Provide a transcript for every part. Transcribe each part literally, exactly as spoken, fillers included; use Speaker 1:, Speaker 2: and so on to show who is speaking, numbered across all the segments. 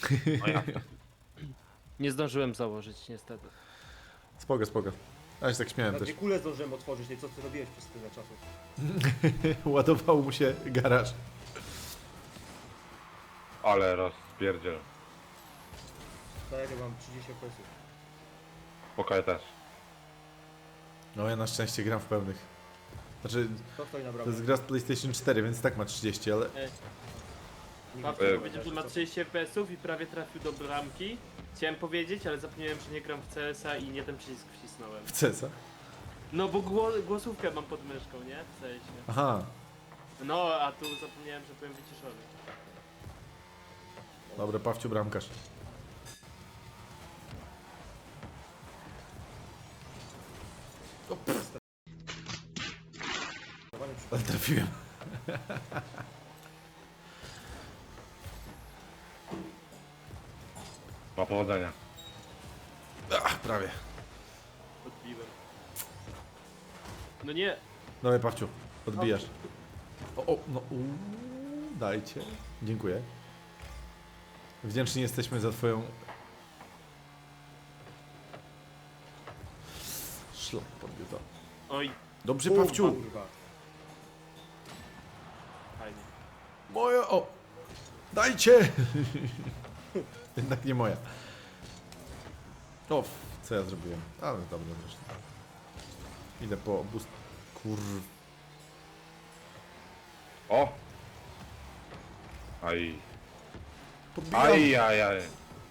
Speaker 1: No ja.
Speaker 2: Nie zdążyłem założyć, niestety.
Speaker 3: Spoko, spoko. Ja się tak śmiałem
Speaker 4: Na
Speaker 3: też.
Speaker 4: dwie kule zdążyłem otworzyć, nie co ty robiłeś przez tyle czasu.
Speaker 3: Ładował mu się garaż.
Speaker 1: Ale rozpierdziel.
Speaker 4: Tak, ja mam trzydzieści F P S-ów.
Speaker 1: Pokoje też.
Speaker 3: No ja na szczęście gram w pełnych. Znaczy,
Speaker 4: Kto stoi na
Speaker 3: to
Speaker 4: bramie?
Speaker 3: jest gra z PlayStation cztery, więc tak ma trzydzieści, ale...
Speaker 4: Nie
Speaker 2: Babcia
Speaker 4: widzę.
Speaker 2: powiedział, że ma trzydzieści F P S-ów i prawie trafił do bramki. Chciałem powiedzieć, ale zapomniałem, że nie gram w C S a i nie ten przycisk wcisnąłem.
Speaker 3: W cesa.
Speaker 2: No bo gło- głosówkę mam pod myszką, nie? W sensie.
Speaker 3: Aha.
Speaker 2: No, a tu zapomniałem, że byłem wyciszony.
Speaker 3: Dobra, Pawciu bramkarz.
Speaker 4: Dawany przy-
Speaker 3: Ale trafiłem.
Speaker 1: Ma powodzenia.
Speaker 3: Ach, prawie.
Speaker 2: Odbiłem. No nie!
Speaker 3: Dawaj, Pawciu, odbijasz. O, o, no, uuu, dajcie. Dziękuję. Wdzięczni jesteśmy za twoją... Szlak podbił to.
Speaker 2: Oj,
Speaker 3: Dobrze,
Speaker 4: Bum,
Speaker 3: Pawciu.
Speaker 4: kurwa.
Speaker 2: fajnie.
Speaker 3: Moja, o! Dajcie! Jednak nie moja. O, co ja zrobiłem? Ale dobra, zresztą. Idę po boost... Kur...
Speaker 1: O! Aj.
Speaker 3: Podbijam.
Speaker 1: Aj, aj, aj.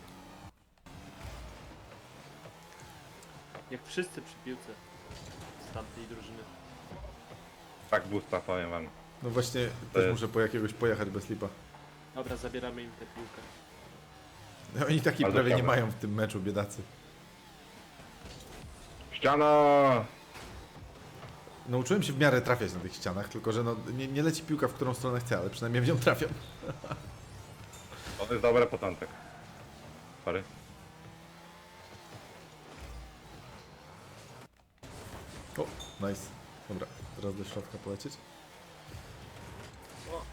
Speaker 2: Jak wszyscy przy piłce z tamtej drużyny.
Speaker 1: Tak busta, powiem wam.
Speaker 3: No właśnie,
Speaker 1: To
Speaker 3: też
Speaker 1: jest-
Speaker 3: muszę po jakiegoś pojechać bez lipa.
Speaker 2: Dobra, zabieramy im tę piłkę.
Speaker 3: No, oni taki
Speaker 1: Bardzo
Speaker 3: prawie nie
Speaker 1: ciekawe.
Speaker 3: mają w tym meczu, biedacy.
Speaker 1: Ściana!
Speaker 3: Nauczyłem się w miarę trafiać na tych ścianach, tylko że no, nie, nie leci piłka, w którą stronę chcę, ale przynajmniej w nią trafiam.
Speaker 1: To jest dobry początek. Sorry.
Speaker 3: O, nice. Dobra, teraz do środka polecieć.
Speaker 2: O!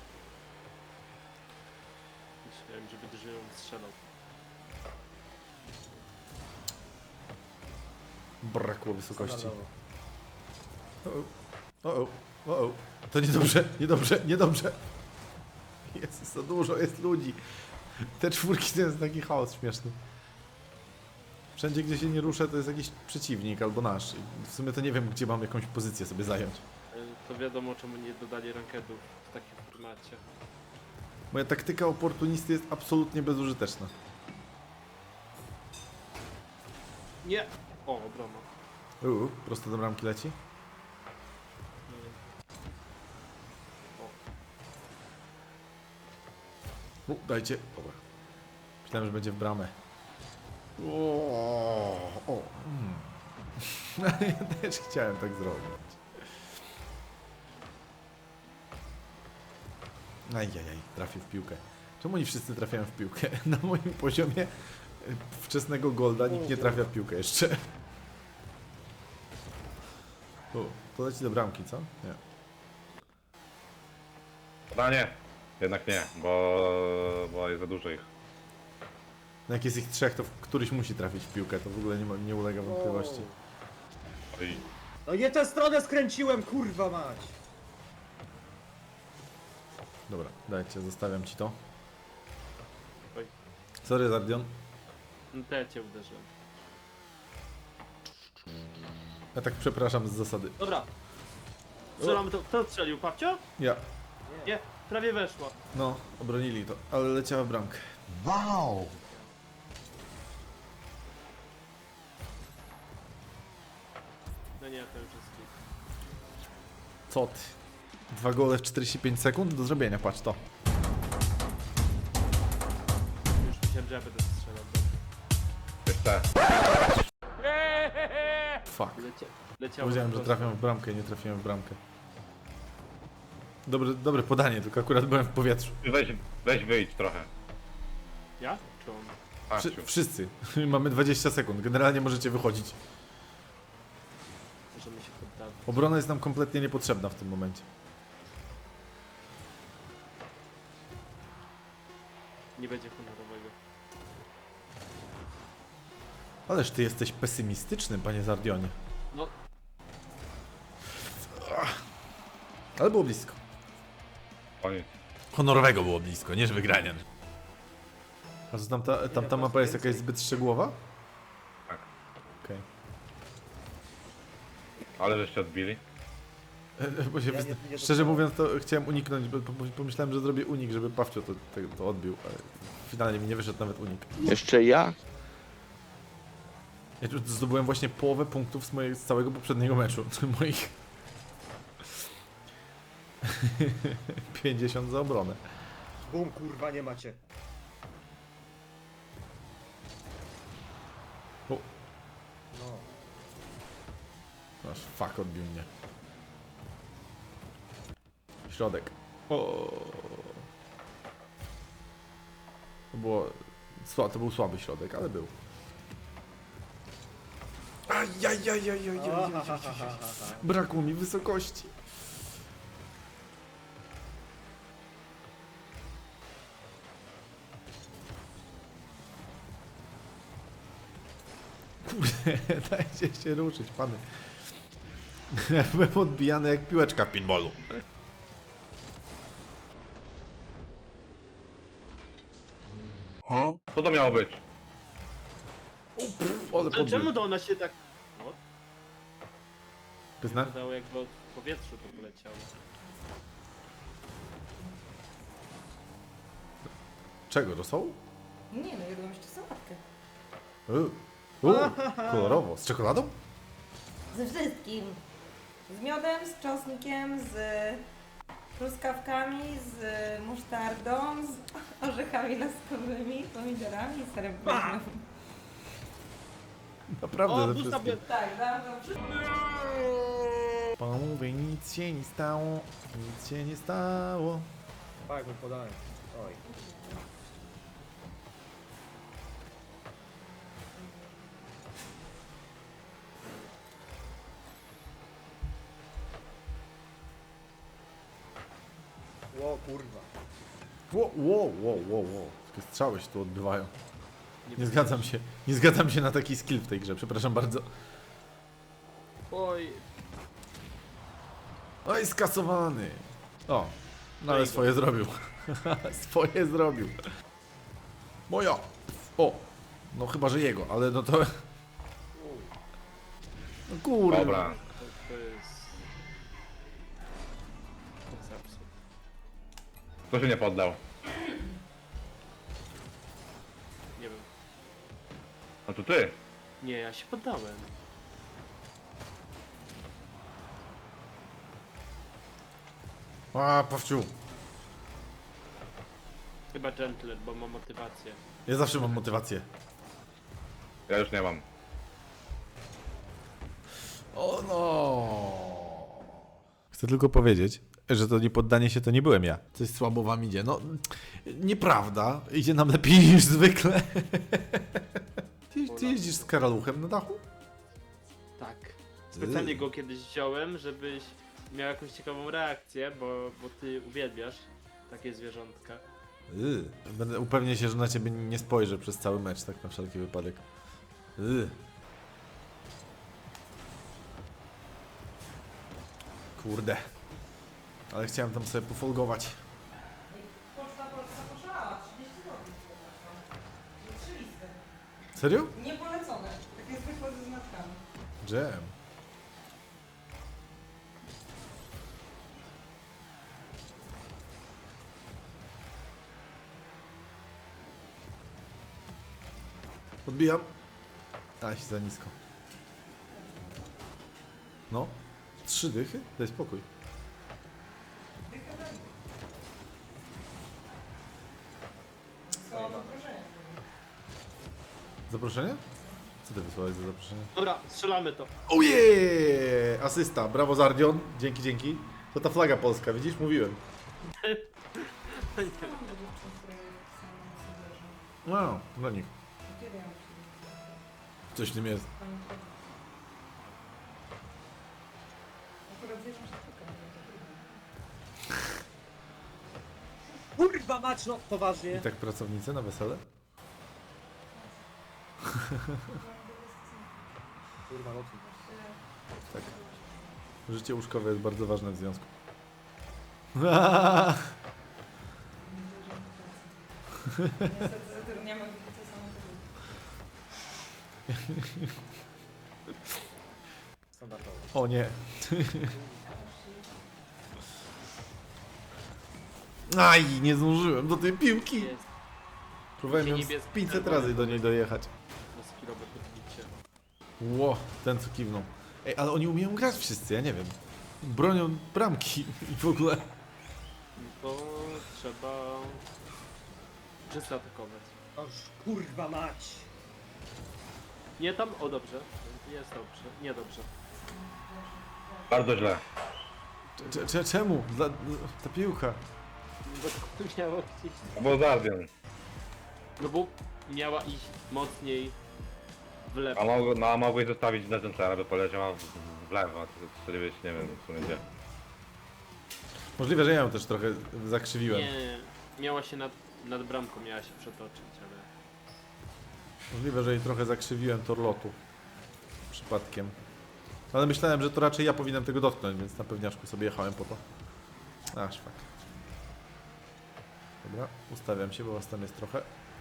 Speaker 2: Myślałem, że będę żył strzelał.
Speaker 3: Brakło wysokości.
Speaker 4: Standardowo.
Speaker 3: O, o, o, o, to niedobrze, niedobrze, niedobrze. Jest za dużo, jest ludzi. Te czwórki to jest taki chaos śmieszny. Wszędzie, gdzie się nie ruszę, to jest jakiś przeciwnik albo nasz. I w sumie to nie wiem, gdzie mam jakąś pozycję sobie zająć.
Speaker 2: Y, To wiadomo, czemu nie dodali rankedów w takim formacie.
Speaker 3: Moja taktyka oportunisty jest absolutnie bezużyteczna.
Speaker 2: Nie! O, obrona.
Speaker 3: Uuu, prosto do bramki leci. U, dajcie. Dobra. Myślałem, że będzie w bramę. O, o. Mm. Ja też chciałem tak zrobić. Ajajaj, trafił w piłkę. Czemu oni wszyscy trafiają w piłkę? Na moim poziomie y, wczesnego golda nikt nie trafia w piłkę jeszcze. O, to leci do bramki, co? Nie.
Speaker 1: No nie. Jednak nie, bo, bo jest za dużo ich.
Speaker 3: No jak jest ich trzech, to któryś musi trafić w piłkę, to w ogóle nie, ma, nie ulega wątpliwości.
Speaker 1: Oj.
Speaker 4: No nie tę stronę skręciłem, kurwa mać!
Speaker 3: Dobra, dajcie, zostawiam ci to.
Speaker 2: Oj.
Speaker 3: Sorry, Zardion.
Speaker 2: No to ja cię uderzyłem.
Speaker 3: Ja tak przepraszam z zasady.
Speaker 2: Dobra. Strzelam to. Kto strzelił? Papcio?
Speaker 3: Ja.
Speaker 2: Nie, prawie weszło.
Speaker 3: No, obronili to, ale leciała w bramkę.
Speaker 5: Wow!
Speaker 2: No nie, to już jest klik.
Speaker 3: Co ty? Dwa gole w czterdzieści pięć sekund do zrobienia, patrz to.
Speaker 2: Już myślałem, że ja będę strzelał.
Speaker 1: Jeszcze.
Speaker 3: Fuck.
Speaker 2: Lecia leciało.
Speaker 3: Powiedziałem, że
Speaker 2: na
Speaker 3: trafiam w bramkę i nie trafiłem w bramkę. Dobre, dobre podanie, tylko akurat byłem w powietrzu.
Speaker 1: Weź, weź wyjdź trochę.
Speaker 2: Ja? Czy on?
Speaker 3: Wszy,
Speaker 1: Patrz.
Speaker 3: wszyscy. Mamy dwadzieścia sekund, generalnie możecie wychodzić.
Speaker 2: Możemy się poddawać.
Speaker 3: Obrona jest nam kompletnie niepotrzebna w tym momencie.
Speaker 2: Nie będzie honorowego.
Speaker 3: Ależ ty jesteś pesymistyczny, panie Zardionie.
Speaker 2: No,
Speaker 3: Ale było blisko.
Speaker 1: Koniec.
Speaker 3: Honorowego było blisko, nie że wygrania. A co tamta, tamta mapa jest jakaś zbyt szczegółowa?
Speaker 1: Tak.
Speaker 3: Okej.
Speaker 1: Ale żeście odbili.
Speaker 3: Bo się
Speaker 4: Ja
Speaker 3: wyzna-
Speaker 4: nie- nie
Speaker 3: Szczerze
Speaker 4: dostałem.
Speaker 3: mówiąc, to chciałem uniknąć, bo bo pomyślałem, że zrobię unik, żeby Pawcio to, to, to odbił, ale finalnie mi nie wyszedł nawet unik.
Speaker 5: Jeszcze ja?
Speaker 3: Ja tu zdobyłem właśnie połowę punktów z, mojej, z całego poprzedniego meczu. Moich pięćdziesiąt za obronę.
Speaker 4: Bum, kurwa, nie macie.
Speaker 3: O,
Speaker 4: No.
Speaker 3: aż fuck odbił mnie. Środek. O. To było... Sła, to był słaby środek, ale był. Ajajajajajaj. Brakło mi wysokości. Kurde, dajcie się ruszyć, pany. Byłem odbijany jak piłeczka w pinballu.
Speaker 1: Co to miało być?
Speaker 3: Ale
Speaker 2: ale
Speaker 3: podbił.
Speaker 2: czemu to ona się tak... No,
Speaker 3: Pyzna?
Speaker 2: wydało jakby od w powietrzu to poleciało.
Speaker 3: Czego, rosołu?
Speaker 6: Nie no, jadłam jeszcze sałatkę.
Speaker 3: Uuu, Uuu, kolorowo. Z czekoladą?
Speaker 6: Ze wszystkim. Z miodem, z czosnkiem, z truskawkami, z musztardą, z orzechami laskowymi, pomidorami i serem plazmowym.
Speaker 3: Naprawdę
Speaker 2: O,
Speaker 3: ze
Speaker 2: bus
Speaker 3: wszystkim.
Speaker 2: sobie...
Speaker 6: Tak, dałam to wszystko.
Speaker 3: Pomówię, nic się nie stało, nic się nie stało.
Speaker 4: Tak, mu podałem. Oj. Ło, kurwa.
Speaker 3: Ło, ło, ło, ło, ło. Takie strzały się tu odbywają. Nie zgadzam się, nie zgadzam się na taki skill w tej grze, przepraszam bardzo.
Speaker 2: Oj,
Speaker 3: Oj, skasowany. O, no ale
Speaker 2: No i go.
Speaker 3: swoje zrobił. Swoje zrobił. Moja. O, no chyba, że jego, ale no to... No kurde.
Speaker 1: Dobra.
Speaker 2: to, to jest... To jest absurd.
Speaker 1: Kto się nie poddał?
Speaker 2: Nie wiem.
Speaker 1: No to ty.
Speaker 2: Nie, ja się poddałem.
Speaker 3: A, Pawciu.
Speaker 2: Chyba Gentler, bo ma motywację.
Speaker 3: Ja zawsze mam motywację.
Speaker 1: Ja już nie mam.
Speaker 3: O no. Chcę tylko powiedzieć, że to nie poddanie się to nie byłem ja. Coś słabo wam idzie. No, nieprawda. Idzie nam lepiej niż zwykle. Ty, ty jeździsz z karaluchem na dachu?
Speaker 2: Tak. Specjalnie go kiedyś wziąłem, żebyś miał jakąś ciekawą reakcję, bo, bo ty uwielbiasz takie zwierzątka.
Speaker 3: Yy. Będę upewnię się, że na ciebie nie spojrzę przez cały mecz, tak na wszelki wypadek. Yy. Kurde. Ale chciałem tam sobie pofolgować.
Speaker 6: Poczta Polska poszalała, trzydzieści złotych. Trzy listy.
Speaker 3: Serio?
Speaker 6: Niepolecone. Takie zwykłe ze znaczkami.
Speaker 3: Jam. Odbijam. A, się za nisko. No. Trzy dychy? Daj spokój.
Speaker 6: Słowo zaproszenie.
Speaker 3: Zaproszenie? Co ty wysłałeś za zaproszenie?
Speaker 2: Dobra, strzelamy to.
Speaker 3: Ojej! Asysta, brawo Zardion. Dzięki, dzięki. To ta flaga polska, widzisz? Mówiłem. No, dla nich.
Speaker 6: Kiedy ja muszę?
Speaker 3: Coś w tym jest.
Speaker 6: Pani wchodzi. Akurat wiesz, że sztuka.
Speaker 4: Kurwa mać, no poważnie.
Speaker 3: I tak pracownicy na wesele?
Speaker 4: Kurwa, lotnik.
Speaker 3: Tak. Życie łóżkowe jest bardzo ważne w związku.
Speaker 6: Niestety zatrudniamy widzę samochodu.
Speaker 4: Standardowo.
Speaker 3: O nie. Aj, nie zdążyłem do tej piłki.
Speaker 2: Jest.
Speaker 3: Próbowałem ją z
Speaker 2: Niebieski
Speaker 3: pięćset
Speaker 2: czerwony
Speaker 3: razy do niej dojechać.
Speaker 2: Na skillowe podbicie.
Speaker 3: Ło, ten co kiwnął. Ej, ale oni umieją grać wszyscy, ja nie wiem. Bronią bramki i w ogóle.
Speaker 2: No to trzeba czysto atakować.
Speaker 4: Oż kurwa mać!
Speaker 2: Nie tam, o dobrze. Jest dobrze, nie dobrze.
Speaker 1: Bardzo źle.
Speaker 3: Cze- cze- Czemu? Dla, ta piłka.
Speaker 2: Bo to miało gdzieś...
Speaker 1: Bo Zardian.
Speaker 2: No bo miała iść mocniej w lewo.
Speaker 1: A mogło, no, a mogłeś zostawić na Gentera, by poleciała w, w lewo, a to wtedy być, nie wiem, w sumie gdzie.
Speaker 3: Możliwe, że ja ją też trochę zakrzywiłem.
Speaker 2: Nie, miała się nad, nad bramką, miała się przetoczyć, ale...
Speaker 3: Możliwe, że jej trochę zakrzywiłem tor lotu. Przypadkiem. Ale myślałem, że to raczej ja powinienem tego dotknąć, więc na pewniaczku sobie jechałem po to. A, szwak. Dobra, ustawiam się, bo was tam jest trochę.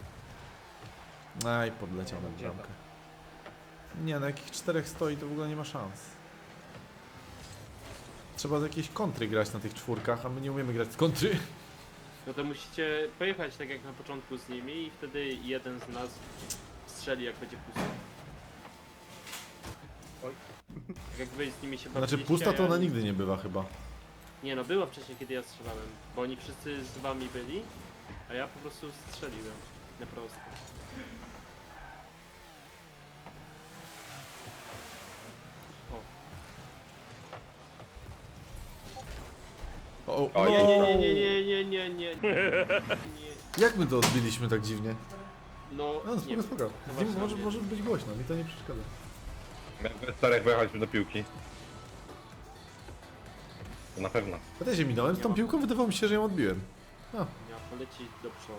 Speaker 3: Aj, podleciał na bramkę. Nie, na jakich czterech stoi, to w ogóle nie ma szans. Trzeba z jakiejś kontry grać na tych czwórkach, a my nie umiemy grać z kontry.
Speaker 2: No to musicie pojechać tak jak na początku z nimi i wtedy jeden z nas strzeli jak będzie pusto.
Speaker 4: Oj.
Speaker 2: Tak jak wy z nimi się
Speaker 3: Znaczy
Speaker 2: bawiliście,
Speaker 3: pusta
Speaker 2: a
Speaker 3: to
Speaker 2: ja-
Speaker 3: ona nigdy nie bywa chyba.
Speaker 2: Nie no, była wcześniej kiedy ja strzelałem, bo oni wszyscy z wami byli, a ja po prostu strzeliłem. Na prosto. O.
Speaker 3: O,
Speaker 1: O,
Speaker 3: no.
Speaker 2: Nie, nie, nie, nie, nie, nie, nie, nie, nie.
Speaker 3: Jak my to odbiliśmy tak dziwnie?
Speaker 2: No,
Speaker 3: No
Speaker 2: nie
Speaker 3: spoko,
Speaker 2: wiem.
Speaker 3: spoko.
Speaker 2: No
Speaker 3: Z nim
Speaker 2: właśnie,
Speaker 3: może,
Speaker 2: nie.
Speaker 3: może być głośno, mi to nie przeszkadza.
Speaker 1: Miałem we czterech wyjechać do piłki. To na pewno.
Speaker 3: Ja też się minąłem, z tą piłką wydawało mi się, że ją odbiłem. A,
Speaker 2: Miała polecieć do przodu.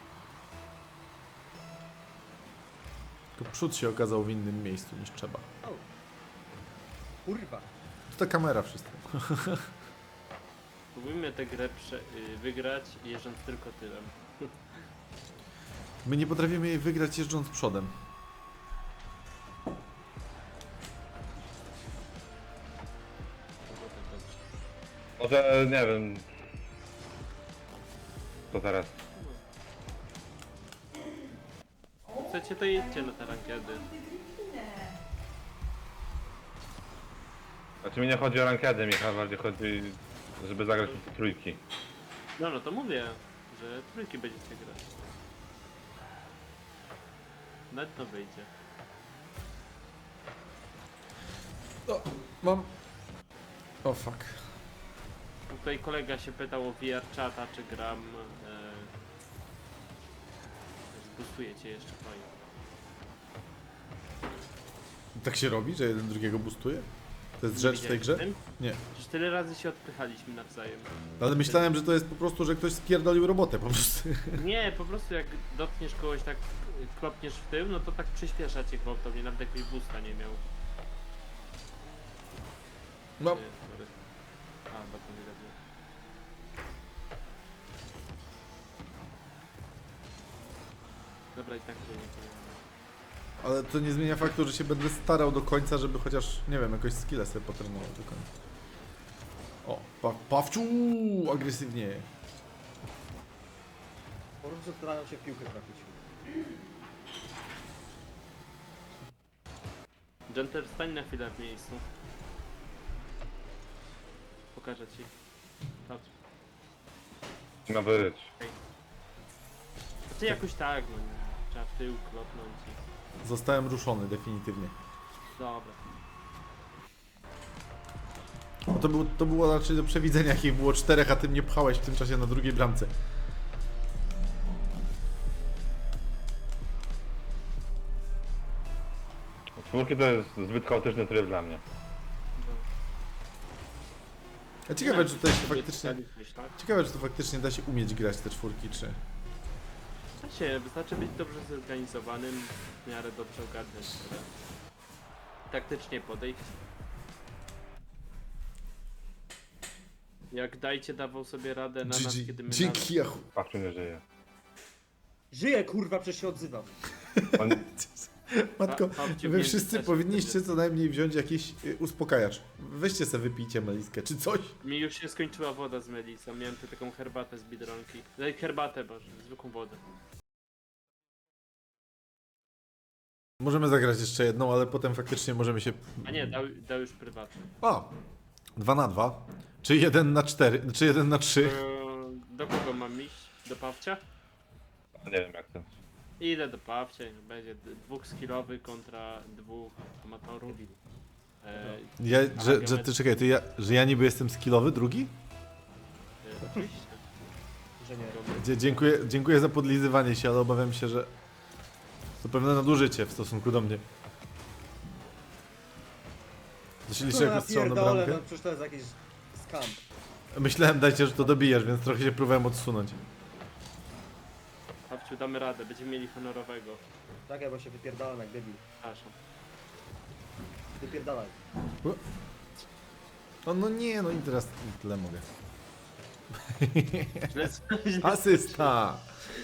Speaker 3: tylko przód się okazał w innym miejscu niż trzeba.
Speaker 4: O. Kurwa.
Speaker 3: To ta kamera wszystko.
Speaker 2: Spróbujmy tę grę prze, y, wygrać jeżdżąc tylko tyłem.
Speaker 3: My nie potrafimy jej wygrać jeżdżąc przodem.
Speaker 2: To było tak dobrze.
Speaker 1: Może, nie wiem... Co teraz?
Speaker 2: Chcecie to jedźcie na te rankiedy.
Speaker 1: Znaczy mi nie chodzi o rankedę, mi bardziej chodzi, żeby zagrać w te trójki.
Speaker 2: No no to mówię, że trójki będziecie grać. Nawet to wyjdzie.
Speaker 3: O, mam... O fuck.
Speaker 2: Tutaj kolega się pytał o V R czata, czy gram. E... Zbustuje cię jeszcze fajnie.
Speaker 3: Tak się robi, że jeden drugiego boostuje? To jest rzecz w tej grze? Nie.
Speaker 2: Przecież tyle razy się odpychaliśmy nawzajem.
Speaker 3: Ale myślałem, że to jest po prostu, że ktoś spierdolił robotę po prostu.
Speaker 2: Nie, po prostu jak dotkniesz kogoś tak, y, klopniesz w tył, no to tak przyspiesza cię gwałtownie, nawet jakbyś boosta nie miał.
Speaker 3: Mam.
Speaker 2: Nie, sorry. A, bardzo nie robię. Dobra, i tak to nie powiem.
Speaker 3: Ale to nie zmienia faktu, że się będę starał do końca, żeby chociaż, nie wiem, jakoś skillę sobie potrenował do końca. O, pa Pawciu, agresywnie.
Speaker 4: Po prostu starają się w piłkę trafić.
Speaker 2: Genter, stań na chwilę w miejscu. Pokażę ci. Patrz.
Speaker 1: Ma być.
Speaker 2: A ty jakoś tak, no nie. Trzeba w tył klopnąć i...
Speaker 3: Zostałem ruszony definitywnie.
Speaker 2: Dobra.
Speaker 3: No to, był, to było raczej do przewidzenia, jakich było czterech, a ty mnie pchałeś w tym czasie na drugiej bramce.
Speaker 1: Czwórki to jest zbyt chaotyczny tryb dla mnie.
Speaker 3: A ciekawe, czy to się
Speaker 2: Sobie
Speaker 3: faktycznie...
Speaker 2: strzeliłeś, tak?
Speaker 3: Ciekawe, czy to faktycznie da się umieć grać te czwórki, czy...
Speaker 2: Da się, wystarczy być dobrze zorganizowanym, w miarę dobrze ogarniać grę. taktycznie podejść. Jak dajcie dawał sobie radę na nas, kiedy my na
Speaker 3: Dzięki, Jachu.
Speaker 1: Pawciu nie żyje.
Speaker 4: Żyję, kurwa, przecież się odzywam.
Speaker 1: On...
Speaker 3: Matko,
Speaker 2: Pa- Pawciu
Speaker 3: wy
Speaker 2: więc
Speaker 3: wszyscy
Speaker 2: też
Speaker 3: powinniście
Speaker 2: wtedy-
Speaker 3: co najmniej wziąć jakiś y, uspokajacz. Weźcie sobie, wypijcie meliskę czy coś.
Speaker 2: Mi już się skończyła woda z Melisą, miałem tu taką herbatę z Biedronki. Daj herbatę, boże, zwykłą wodę.
Speaker 3: Możemy zagrać jeszcze jedną, ale potem faktycznie możemy się...
Speaker 2: A nie, dał, dał już prywatny.
Speaker 3: O! Dwa na dwa. Czy jeden na cztery, czy jeden na trzy.
Speaker 2: Eee, Do kogo mam iść? Do Pawcia?
Speaker 1: Nie wiem jak to.
Speaker 2: Idę do Pawcia, będzie d- dwóch skillowy kontra dwóch amatorów. Eee,
Speaker 3: Ja, że, że ty czekaj, ty ja, że ja niby jestem skillowy, drugi?
Speaker 2: e, oczywiście.
Speaker 4: Że nie.
Speaker 3: Dzie- Dziękuję, dziękuję za podlizywanie się, ale obawiam się, że to pewne nadużycie w stosunku do mnie. To się liczy
Speaker 4: No,
Speaker 3: jako strzał na
Speaker 4: pierdolę,
Speaker 3: bramkę?
Speaker 4: no przecież to jest jakiś skam.
Speaker 3: Myślałem, dajcie, że to dobijesz, więc trochę się próbowałem odsunąć.
Speaker 2: Pawciu, damy radę, będziemy mieli honorowego.
Speaker 4: Tak, bo się wypierdalam jak debil.
Speaker 2: Przepraszam.
Speaker 4: Wypierdalaj.
Speaker 3: O, no nie, no i teraz tyle mogę.
Speaker 2: Źle, źle
Speaker 3: Asysta!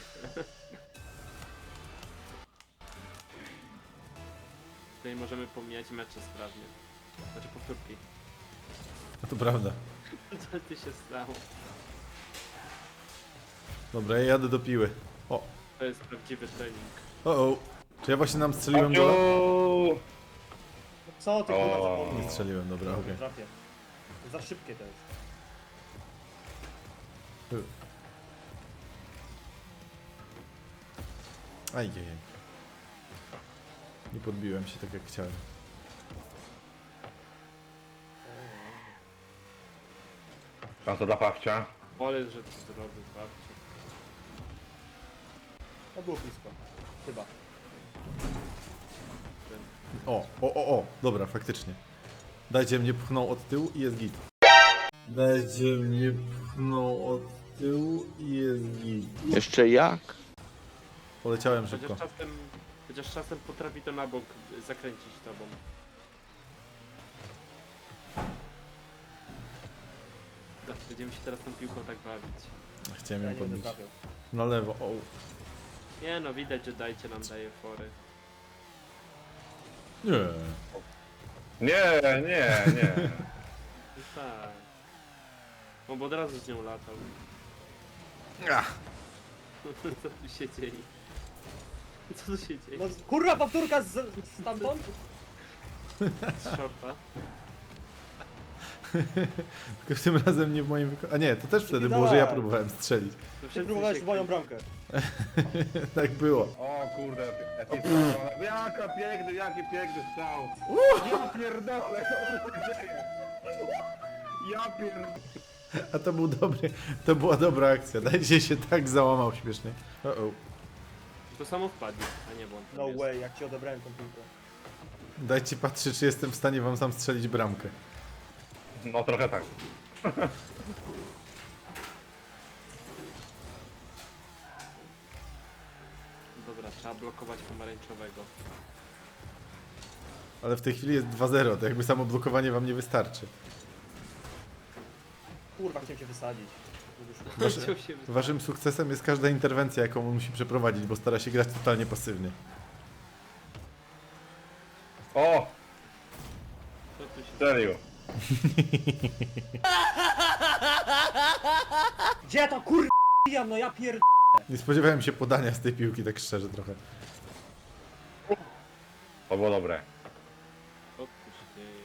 Speaker 2: Tutaj możemy pomijać mecze sprawnie. Znaczy powtórki.
Speaker 3: No to prawda.
Speaker 2: Co ty się stało?
Speaker 3: Dobra, ja jadę do piły. O,
Speaker 2: To jest prawdziwy trening.
Speaker 3: o, o. Czy ja właśnie nam strzeliłem gola?
Speaker 1: Pawciu!
Speaker 4: Co ty, kurwa,
Speaker 1: O.
Speaker 4: zapomniał?
Speaker 3: Nie strzeliłem, dobra, okej.
Speaker 4: Nie trafię. Za szybkie to jest.
Speaker 3: Ajajaj. Nie podbiłem się tak jak chciałem.
Speaker 1: Szansa dla Pawcia.
Speaker 2: Wolę, że to zrobił Pawciu.
Speaker 4: No było blisko. Chyba.
Speaker 3: O, o, o, o, dobra, faktycznie. Dajcie mnie pchnął od tyłu i jest git. Dajcie mnie pchnął od tyłu i jest git.
Speaker 5: Jeszcze jak?
Speaker 3: Poleciałem szybko.
Speaker 2: Chociaż czasem, chociaż czasem potrafi to na bok zakręcić tobą. Tak, będziemy się teraz tą piłką tak bawić.
Speaker 3: Chciałem
Speaker 4: Ja
Speaker 3: ją
Speaker 4: nie będę
Speaker 3: podbić.
Speaker 4: trafiał.
Speaker 3: Na lewo, o.
Speaker 2: Nie no, widać, że dajcie nam daje fory.
Speaker 3: Nie.
Speaker 1: Nie, nie, nie.
Speaker 2: No tak. No bo od razu z nią latał.
Speaker 3: Ach.
Speaker 2: Co tu się dzieje? Co tu się dzieje?
Speaker 4: No kurwa, powtórka z, stamtąd?
Speaker 2: Z shorta?
Speaker 3: Tylko tym razem nie w moim wykonaniu. A nie, to też wtedy było, że ja próbowałem strzelić.
Speaker 2: To
Speaker 4: Ty
Speaker 2: wszyscy
Speaker 4: próbowałeś
Speaker 2: się
Speaker 4: w moją bramkę.
Speaker 3: Tak było.
Speaker 1: O kurde, jaki strzał. Jaka piękny, jaki piękny strzał. Ja pierdolę, co tu się dzieje? Ja pierdolę.
Speaker 3: A to był dobry, to była dobra akcja. Dajcie się tak załamał śmiesznie. O, o.
Speaker 2: To samo wpadnie, a nie błąd. tam
Speaker 4: No
Speaker 2: jest.
Speaker 4: way, jak ci odebrałem tą piłkę.
Speaker 3: Dajcie patrzeć, czy jestem w stanie wam sam strzelić bramkę.
Speaker 1: No trochę tak.
Speaker 2: Dobra, trzeba blokować pomarańczowego.
Speaker 3: Ale w tej chwili jest dwa zero, to jakby samo blokowanie wam nie wystarczy.
Speaker 4: Kurwa, chciałem cię wysadzić. Nie wyszło.
Speaker 3: Wasze,
Speaker 2: Chciał się wy-
Speaker 3: waszym sukcesem jest każda interwencja, jaką on musi przeprowadzić, bo stara się grać totalnie pasywnie.
Speaker 1: O,
Speaker 2: Co tu się
Speaker 1: strzelił.
Speaker 4: Gdzie ja to kurwa pijam, no ja pierd...
Speaker 3: Nie spodziewałem się podania z tej piłki, tak szczerze trochę.
Speaker 1: To było dobre.
Speaker 2: Co tu się dzieje?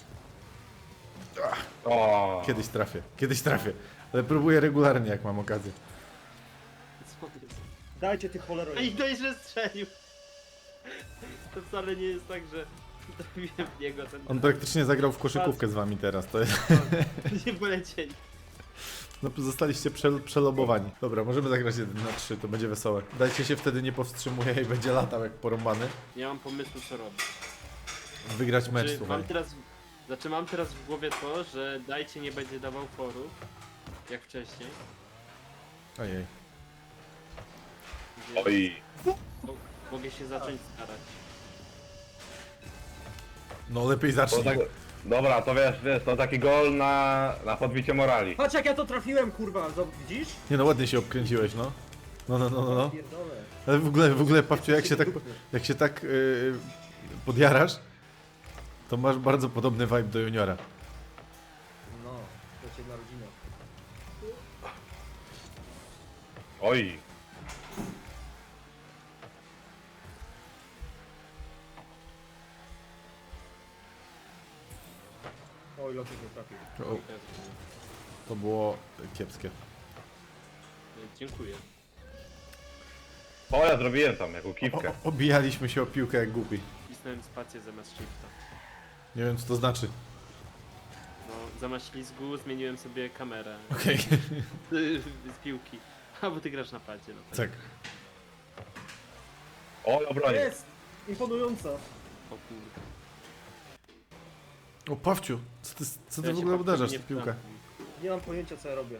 Speaker 1: O,
Speaker 3: Kiedyś trafię, kiedyś trafię. Ale próbuję regularnie, jak mam okazję.
Speaker 2: Co jest?
Speaker 4: Dajcie ty cholero.
Speaker 2: A i to źle strzelił! To wcale nie jest tak, że trafiłem w niego ten...
Speaker 3: On praktycznie zagrał w koszykówkę z wami teraz, to jest...
Speaker 2: Nie polecieli.
Speaker 3: No zostaliście prze, przelobowani. Dobra, możemy zagrać jeden na trzy, to będzie wesołe. Dajcie się wtedy nie powstrzymuje i będzie latał jak porąbany.
Speaker 2: Nie mam pomysłu co robić.
Speaker 3: Wygrać mecz,
Speaker 2: Czy
Speaker 3: słuchaj.
Speaker 2: mam teraz... Znaczy mam teraz w głowie to, że dajcie nie będzie dawał forów, jak wcześniej.
Speaker 3: Ojej.
Speaker 2: Więc
Speaker 1: oj.
Speaker 2: mo- mogę się zacząć starać.
Speaker 3: No lepiej
Speaker 1: To
Speaker 3: zacznij.
Speaker 1: tak... Dobra, to wiesz, wiesz, to taki gol na, na podbicie morali.
Speaker 4: Patrz jak ja to trafiłem, kurwa, Zob- widzisz?
Speaker 3: Nie no, ładnie się obkręciłeś, no. No, no, no, no, no.
Speaker 4: Pierdolę.
Speaker 3: Ale w ogóle, w ogóle, Pawciu, jak się tak, jak się tak yy, podjarasz, to masz bardzo podobny vibe do juniora.
Speaker 4: No, to cię na rodzinę.
Speaker 1: Oj.
Speaker 4: Oj, lotek nie trafił.
Speaker 3: O, to było kiepskie.
Speaker 2: Dziękuję.
Speaker 1: O, ja zrobiłem tam, jaką
Speaker 3: O,
Speaker 1: kiwkę.
Speaker 3: o, obijaliśmy się o piłkę jak głupi.
Speaker 2: Wcisnąłem spację zamiast shifta.
Speaker 3: Nie wiem, co to znaczy.
Speaker 2: No, zamiast ślizgu zmieniłem sobie kamerę
Speaker 3: Okej,
Speaker 2: z piłki. A, bo ty grasz na padzie, no tak.
Speaker 3: tak.
Speaker 1: O, obronię.
Speaker 4: Jest! Imponująca.
Speaker 2: O kurde.
Speaker 3: O, Pawciu, co ty, co ty
Speaker 2: Ja
Speaker 3: w
Speaker 2: się
Speaker 3: ogóle
Speaker 2: po-
Speaker 3: uderzasz
Speaker 2: nie
Speaker 3: w piłkę?
Speaker 2: wtrącam.
Speaker 4: Nie mam pojęcia co ja robię.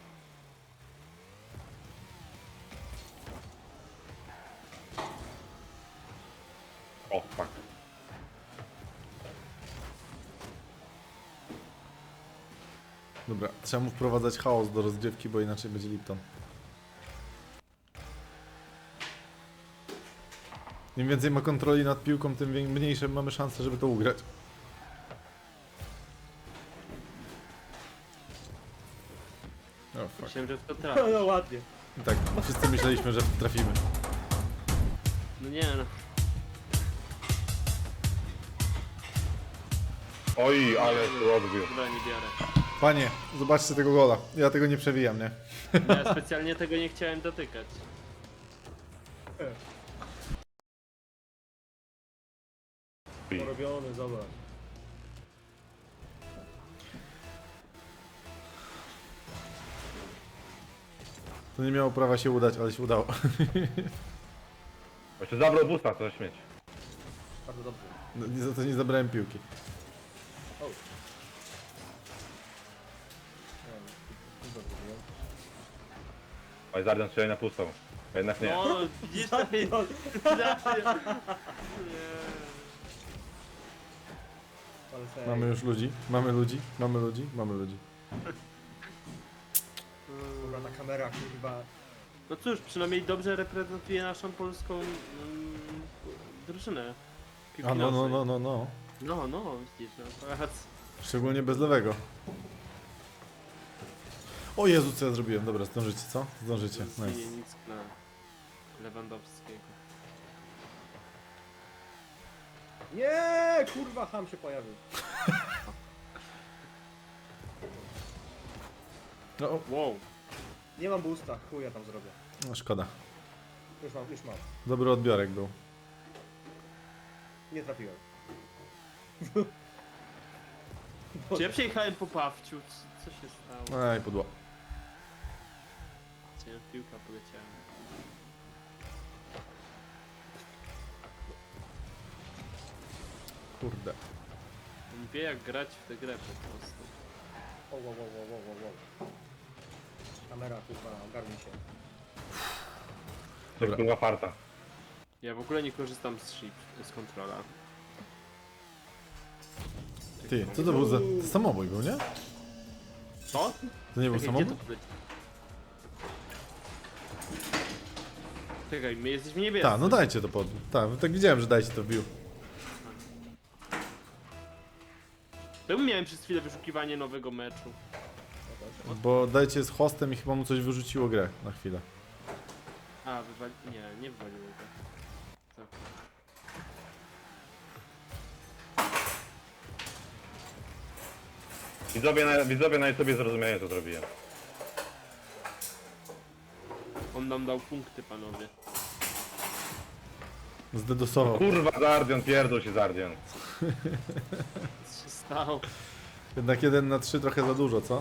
Speaker 1: O, fuck.
Speaker 3: Dobra, trzeba mu wprowadzać chaos do rozgrywki, bo inaczej będzie Lipton. Im więcej ma kontroli nad piłką, tym wię- mniejsze mamy szanse, żeby to ugrać. O, fuck.
Speaker 2: Myślałem, że w to
Speaker 4: No,
Speaker 2: trafisz.
Speaker 4: no ładnie.
Speaker 3: I tak, wszyscy myśleliśmy, że trafimy.
Speaker 2: No nie no.
Speaker 1: Oj, ale tu odbił.
Speaker 2: Dobra, nie biorę.
Speaker 3: Panie, zobaczcie tego gola. Ja tego nie przewijam, nie?
Speaker 2: No, ja specjalnie tego nie chciałem dotykać.
Speaker 4: Porobiony, zobacz.
Speaker 3: To nie miało prawa się udać, ale się udało.
Speaker 1: Jeszcze zabrał busta, to śmieć.
Speaker 4: Bardzo dobrze.
Speaker 3: No, nie, za to nie zabrałem piłki.
Speaker 4: O. Nie wiem, co zrobiłem.
Speaker 1: Oj, Zardian strzeli na pustą. Jednak nie.
Speaker 2: No, widzisz, to jest...
Speaker 4: Ale serio.
Speaker 3: Mamy już ludzi, mamy ludzi, mamy ludzi, mamy ludzi.
Speaker 4: Dobra, ta kamera, kurwa.
Speaker 2: No cóż, przynajmniej dobrze reprezentuje naszą polską mm, drużynę. piłki
Speaker 3: A no, no,
Speaker 2: nożnej.
Speaker 3: no, no, no.
Speaker 2: No, no, widzisz, no, patrz.
Speaker 3: Szczególnie bez lewego. O Jezu, co ja zrobiłem? Dobra, zdążycie, co? Zdążycie, nice.
Speaker 2: Nic na Lewandowskiego.
Speaker 4: Nie, kurwa, ham się pojawił.
Speaker 3: No, o,
Speaker 2: Wow.
Speaker 4: Nie mam boosta, chuj ja tam zrobię.
Speaker 3: no, szkoda.
Speaker 4: Już mam, już mam.
Speaker 3: Dobry odbiorek był.
Speaker 4: Nie trafiłem.
Speaker 2: Czy ja przejechałem po Pawciu? Co, co się stało?
Speaker 3: Aj, pudło.
Speaker 2: Cię piłka poleciała.
Speaker 3: Kurde.
Speaker 2: On wie jak grać w tę grę po prostu.
Speaker 4: O, wow, wow, wow, wow, wow, wow. Kamera, kurwa, ogarnij się.
Speaker 1: To kurwa farta.
Speaker 2: Ja w ogóle nie korzystam z shift, z kontrola.
Speaker 3: Ty, co to był za... To samobój był, nie?
Speaker 2: Co?
Speaker 3: To nie był
Speaker 2: Czekaj, gdzie
Speaker 3: samobój?
Speaker 2: to poleci? Czekaj, my jesteśmy niebiescy.
Speaker 3: Tak, no dajcie to pod... Tak, tak widziałem, że dajcie to wbił.
Speaker 2: To miałem przez chwilę wyszukiwanie nowego meczu.
Speaker 3: Bo dajcie z hostem i chyba mu coś wyrzuciło grę na chwilę.
Speaker 2: A, wywali... Nie, nie wywaliło go. Co?
Speaker 1: Widzowie na, widzowie na sobie zrozumienie, co zrobiłem.
Speaker 2: On nam dał punkty, panowie.
Speaker 3: Zdedosował.
Speaker 1: Kurwa, Zardian, pierdol się Zardian.
Speaker 2: Co się stało?
Speaker 3: Jednak jeden na trzy trochę za dużo, co?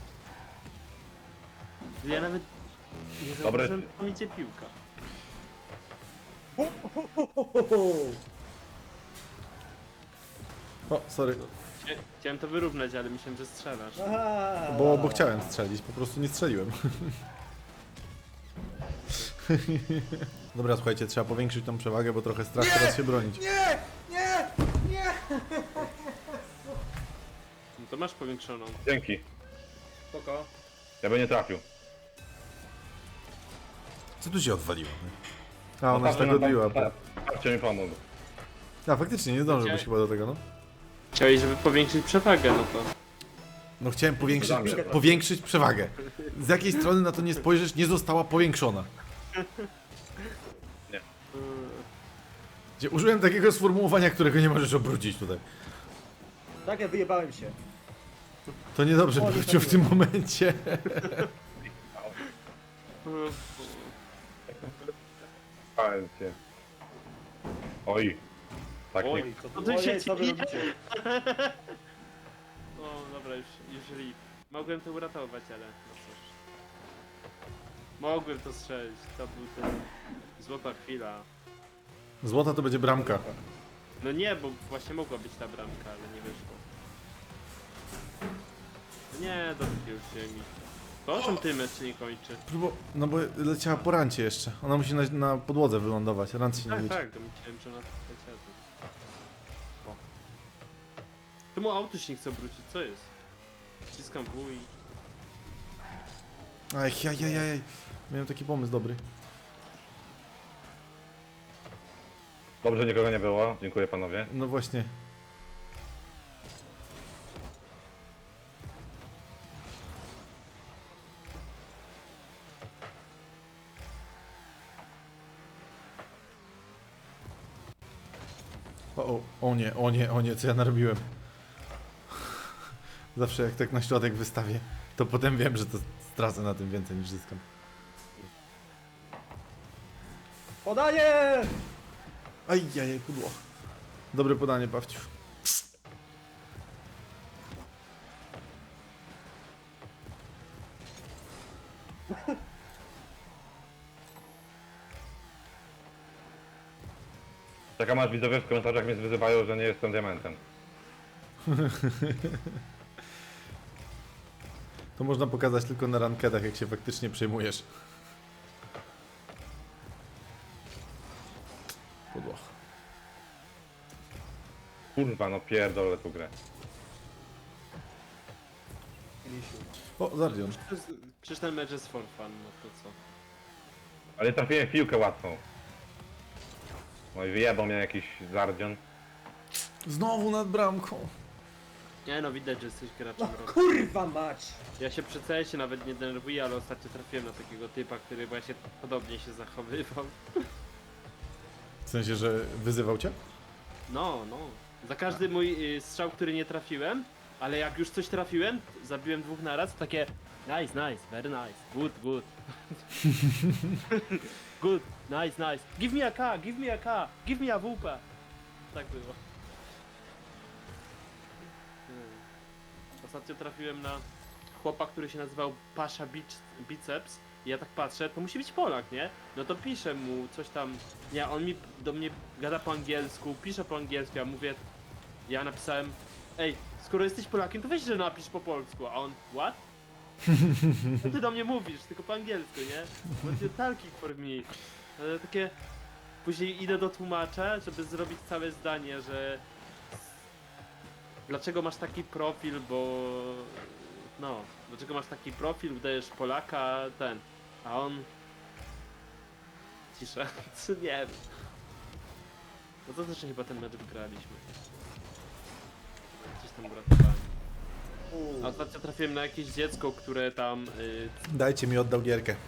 Speaker 2: Ja nawet nie
Speaker 1: Dobre.
Speaker 2: zauważyłem, że tam idzie piłka.
Speaker 3: O, sorry.
Speaker 2: Chcia- Chciałem to wyrównać, ale myślałem, że strzelasz.
Speaker 4: Aha.
Speaker 3: Bo, bo chciałem strzelić, po prostu nie strzeliłem. Dobra, słuchajcie, trzeba powiększyć tą przewagę, bo trochę strach teraz się bronić.
Speaker 4: Nie! Nie! Nie!
Speaker 2: To masz powiększoną.
Speaker 1: Dzięki.
Speaker 2: Spoko.
Speaker 1: Ja bym nie trafił.
Speaker 3: Co tu się odwaliło? nie? A, ona się
Speaker 1: Patrzcie,
Speaker 3: tak
Speaker 1: no,
Speaker 3: odbiła.
Speaker 1: pa- Patrzcie mi pomógł.
Speaker 3: A, faktycznie, nie zdążyłbyś chyba do tego, no.
Speaker 2: Chciałeś, żeby powiększyć przewagę, no to...
Speaker 3: No chciałem powiększyć,
Speaker 1: Damy.
Speaker 3: prze, powiększyć przewagę. Z jakiej strony na to nie spojrzysz, nie została powiększona.
Speaker 2: Yy,
Speaker 3: Gdzie użyłem takiego sformułowania, którego nie możesz obrócić tutaj.
Speaker 4: Tak, ja wyjebałem się.
Speaker 3: To niedobrze
Speaker 4: O, nie
Speaker 3: wrócił w tym momencie.
Speaker 2: yy,
Speaker 1: Pałem cię. Oj. Tak nie.
Speaker 4: Oj, co
Speaker 2: To
Speaker 4: tu
Speaker 2: ty się
Speaker 4: Ojej, co wy
Speaker 2: dzieje?
Speaker 4: robicie?
Speaker 2: O, dobra, już, już rip. Mogłem to uratować, ale no cóż. Mogłem to strzelić, to był ten... Złota chwila.
Speaker 3: Złota to będzie bramka.
Speaker 2: No nie, bo właśnie mogła być ta bramka, ale nie wyszło. Nie, dobrze już ziemi. To o czym ty mecz nie kończy?
Speaker 3: Próbo, no bo leciała po rancie jeszcze. Ona musi na, na podłodze wylądować. Rant się nie
Speaker 2: Tak,
Speaker 3: liczy.
Speaker 2: tak, to myślałem, że ona leciała. O. Czemu auto się nie chce obrócić? Co jest? Wciskam W i...
Speaker 3: Aj, jaj, jaj, jaj. Miałem taki pomysł dobry.
Speaker 1: Dobrze, nikogo nie było. Dziękuję panowie.
Speaker 3: No właśnie. O, o, o nie, o nie, o nie, co ja narobiłem. Zawsze jak tak na środek wystawię, to potem wiem, że to stracę na tym więcej niż zyskam.
Speaker 4: Podaję!
Speaker 3: Aj, jaj, pudło. Dobre podanie, Pawciu.
Speaker 1: Czekam aż widzowie w komentarzach mnie wyzywają, że nie jestem diamentem.
Speaker 3: To można pokazać tylko na rankedach, jak się faktycznie przejmujesz. Pudło.
Speaker 1: Kurwa, no pierdolę tu grę.
Speaker 4: Misiu.
Speaker 3: O, Zardion.
Speaker 2: Przecież ten mecz jest for fun, no to co?
Speaker 1: Ale trafiłem w piłkę łatwą. No i wyjebał mnie jakiś zardzion.
Speaker 3: Znowu nad bramką.
Speaker 2: Nie no, widać, że jesteś graczem
Speaker 4: No
Speaker 2: roku.
Speaker 4: kurwa mać!
Speaker 2: Ja się przy C S-ie nawet nie denerwuję, ale ostatnio trafiłem na takiego typa, który właśnie podobnie się zachowywał.
Speaker 3: W sensie, że wyzywał cię?
Speaker 2: No, no. Za każdy mój y, strzał, który nie trafiłem, ale jak już coś trafiłem, zabiłem dwóch naraz, to takie nice, nice, very nice, good, good. Good, nice, nice. Give me a K, give me a K, give me a W P. Tak było. Hmm. Ostatnio trafiłem na chłopa, który się nazywał Pasha Bic- Biceps. I ja tak patrzę, to musi być Polak, nie? No to piszę mu coś tam. Nie, on mi do mnie gada po angielsku, pisze po angielsku, ja mówię. Ja napisałem, ej, skoro jesteś Polakiem, to weź, że napisz po polsku, a on, what? Co ty do mnie mówisz, tylko po angielsku, nie? Będzie talking for me. Ale takie... Później idę do tłumacza, żeby zrobić całe zdanie, że... Dlaczego masz taki profil, bo... No, dlaczego masz taki profil, udajesz Polaka, ten... A on... Cisza, co nie wiem. No to też chyba ten mecz wygraliśmy. Coś tam uratowałem. A ostatnio trafiłem na jakieś dziecko, które tam... Yy,
Speaker 3: Dajcie mi, oddał gierkę.